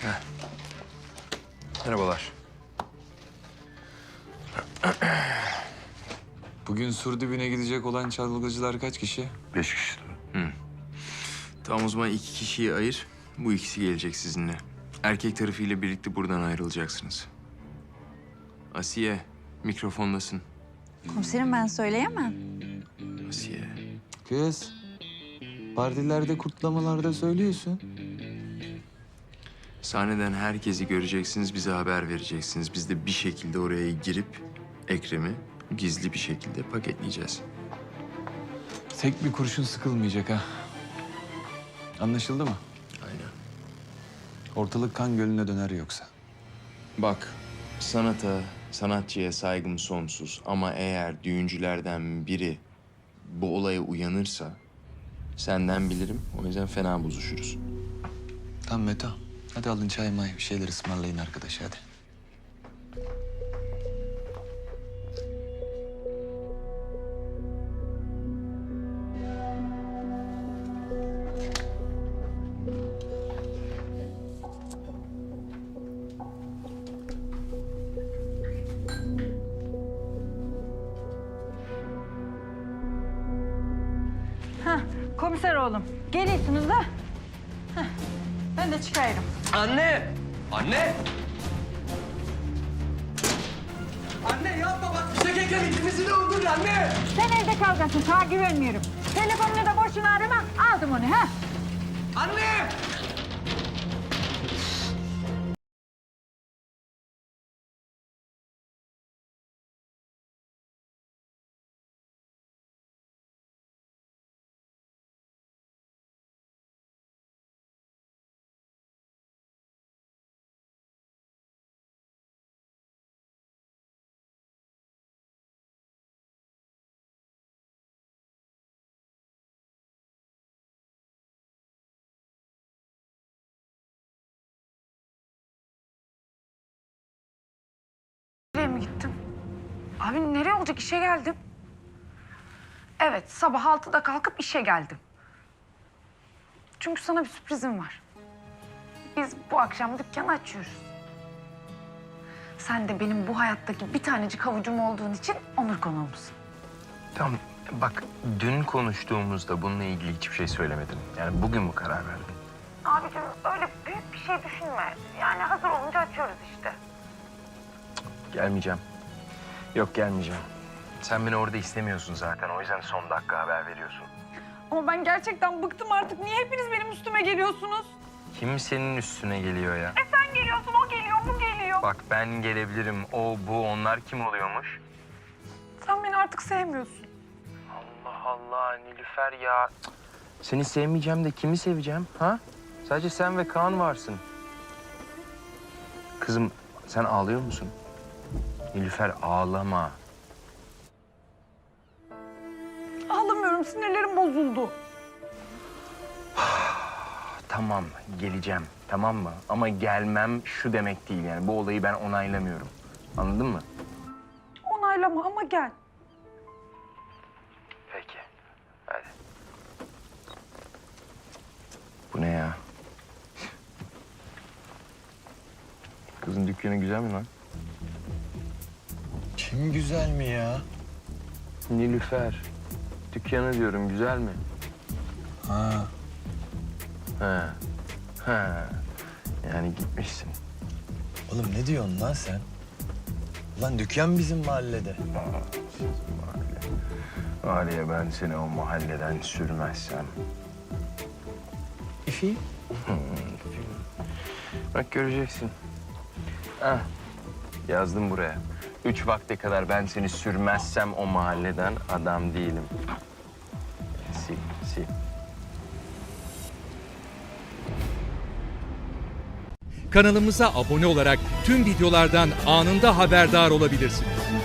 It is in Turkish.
Merhabalar. Bugün sur dibine gidecek olan çalgıcılar kaç kişi? 5 kişi. Tamam, o zaman 2 kişiyi ayır. Bu ikisi gelecek sizinle. Erkek tarafıyla birlikte buradan ayrılacaksınız. Asiye, mikrofondasın. Komiserim ben söyleyemem. Asiye. Kız, partilerde, kutlamalarda söylüyorsun. Sahneden herkesi göreceksiniz, bize haber vereceksiniz. Biz de bir şekilde oraya girip Ekrem'i gizli bir şekilde paketleyeceğiz. Tek bir kurşun sıkılmayacak ha. Anlaşıldı mı? Aynen. Ortalık kan gölüne döner yoksa. Bak, sanata, sanatçıya saygım sonsuz. Ama eğer düğüncülerden biri bu olaya uyanırsa senden bilirim. O yüzden fena bozuşuruz. Tamam Meto. Hadi alın çay may bir şeyler ısmarlayın arkadaş hadi. Hah, komiser oğlum. Geliyorsunuz da. Hah, ben de çıkıyorum. Anne! Anne! Anne yapma bak Fişek Ekrem ikimizi de öldürür anne! Sen evde kalacaksın, sana güvenmiyorum. Telefonunu da boşuna arama, aldım onu ha. Anne! Nereye mi gittim? Abi nereye olacak? İşe geldim. Evet, sabah 6'da kalkıp işe geldim. Çünkü sana bir sürprizim var. Biz bu akşam dükkanı açıyoruz. Sen de benim bu hayattaki bir tanecik havucum olduğun için onur konuğumsun. Tamam, bak dün konuştuğumuzda bununla ilgili hiçbir şey söylemedin. Yani bugün mü karar verdin? Abicim öyle büyük bir şey düşünme. Yani hazır olunca açıyoruz işte. Gelmeyeceğim. Yok gelmeyeceğim. Sen beni orada istemiyorsun zaten. O yüzden son dakika haber veriyorsun. Ama ben gerçekten bıktım artık. Niye hepiniz benim üstüme geliyorsunuz? Kim senin üstüne geliyor ya? Sen geliyorsun, o geliyor, bu geliyor. Bak ben gelebilirim. O, bu, onlar kim oluyormuş? Sen beni artık sevmiyorsun. Allah Allah Nilüfer ya. Seni sevmeyeceğim de kimi seveceğim ha? Sadece sen ve Kaan varsın. Kızım sen ağlıyor musun? Nilüfer ağlama. Ağlamıyorum, sinirlerim bozuldu. Tamam geleceğim tamam mı? Ama gelmem şu demek değil yani. Bu olayı ben onaylamıyorum. Anladın mı? Onaylama ama gel. Peki. Hadi. Bu ne ya? Kızın dükkanı güzel mi lan? Kim güzel mi ya? Nilüfer. Dükkanı diyorum güzel mi? Ha. Ha. Ha. Yani gitmişsin. Oğlum ne diyorsun lan sen? Ulan dükkan bizim mahallede. Var ya ben seni o mahalleden sürmezsem. İfi? Bak göreceksin. Ah, yazdım buraya. 3 vakte kadar ben seni sürmezsem o mahalleden adam değilim. Sil, sil. Kanalımıza abone olarak tüm videolardan anında haberdar olabilirsiniz.